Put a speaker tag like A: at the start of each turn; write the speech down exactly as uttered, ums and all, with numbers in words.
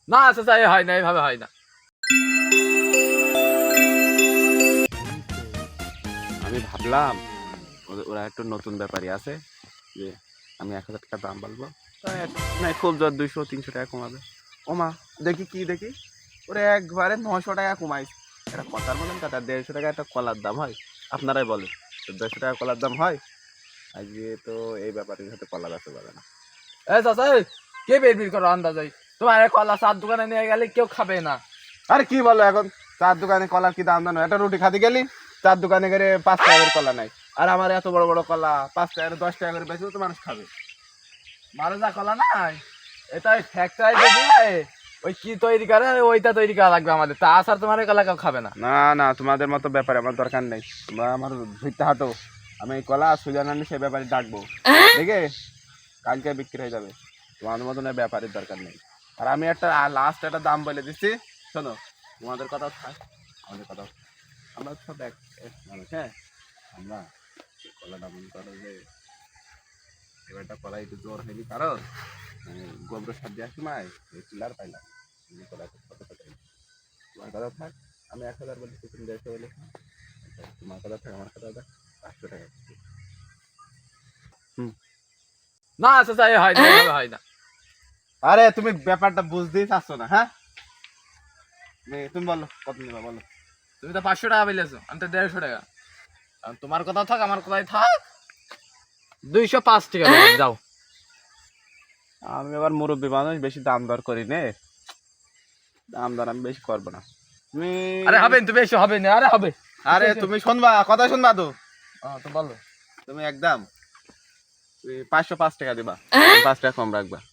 A: না চাচা এ হয় না, এইভাবে হয় না।
B: আমি ভাবলাম ওদের- ওরা একটু নতুন ব্যাপারী আছে, যে আমি এক হাজার টাকা দাম বলবো, তাই এক- নাই খুব জোর দুইশো তিনশো টাকা কমাবে। ওমা, দেখি কি দেখি, ওরা একবারে নশো টাকা কমাইছে। এটা কথার বলেন কথা, দেড়শো টাকা একটা কলার দাম হয়? আপনারাই বলেন, তো দেড়শো টাকা কলার দাম হয়? আজকে তো এই ব্যাপারের সাথে কলা বেচতে পারে না।
A: এ চাচা এই, কে বের বের করো আন্দাজ হয়? তোমার এই কলা চার দোকানে নিয়ে গেলে কেউ খাবে না।
B: আরে কি বলো এখন, চার দোকানে কলার কি দাম জানো? একটা রুটি খাতে গেলি চার দোকানে করে পাঁচ টাকা করে কলা নাই, আর আমার এত বড় বড় কলা পাঁচ টাকা করে দশ টাকা করে বেচলে তো মানুষ খাবে।
A: মারে যা কলা নাই, এটা ওই ফ্যাক্টরি দিয়ে ওই কি তৈরি করে ওইটা তৈরি করা লাগবে আমাদের, তা আসার তোমার এই কলা কেউ খাবে না।
B: না না, তোমাদের মতো ব্যাপারে আমার দরকার নেই, তোমরা আমার ধরতে হাঁটো। আমি এই কলা সুজান আনি সেই ব্যাপারে ডাকবো, দেখে কালকে বিক্রি হয়ে যাবে। তোমাদের মতন এই ব্যাপারের দরকার নেই। আর আমি একটা লাস্ট একটা দাম বলে দিচ্ছি, শোনো, তোমাদের কথা থাক, আমাদের কথা, আমরা সব এক এক মানুষ। হ্যাঁ, আমরা এই কলাটা মনে করো যে এবারটা কলা একটু জোর হয়নি, কারণ মানে গোবর সার দেওয়ার সময় চিলার পাইলাম, এই কলাটা কত টাকা। তোমার কথা থাক, আমি এক হাজার বলেছি, তুমি দেড়শো বলে, তোমার কথা থাক, আমার কথা থাক, পাঁচশো টাকা। হুম।
A: না চাচা এ হয় না, এইভাবে হয় না।
B: আরে তুমি ব্যাপারটা বুঝতেই চাচ্ছ না, হ্যাঁ? তুমি- তুমি বলো কত নেবা বলো।
A: তুমি তো পাঁচশো টাকা পেলেছো, আমি তো দেড়শো টাকা। আর তোমার কথা থাক, আমার কথাই থাক, দুইশো পাঁচ টাকা দিলাম, যাও।
B: আমি আবার মুরব্বী মানুষ, বেশি দাম দর করি নে, দাম দর আমি বেশি করবো না। তুমি
A: আরে হবে তুমি এসে হবে না, আরে হবে।
B: আরে তুমি শুনবা, কথা শুনবা তো,
A: হ্যাঁ তো বলো।
B: তুমি একদম তুমি পাঁচশো পাঁচ টাকা দিবা, পাঁচ টাকা কম রাখবা।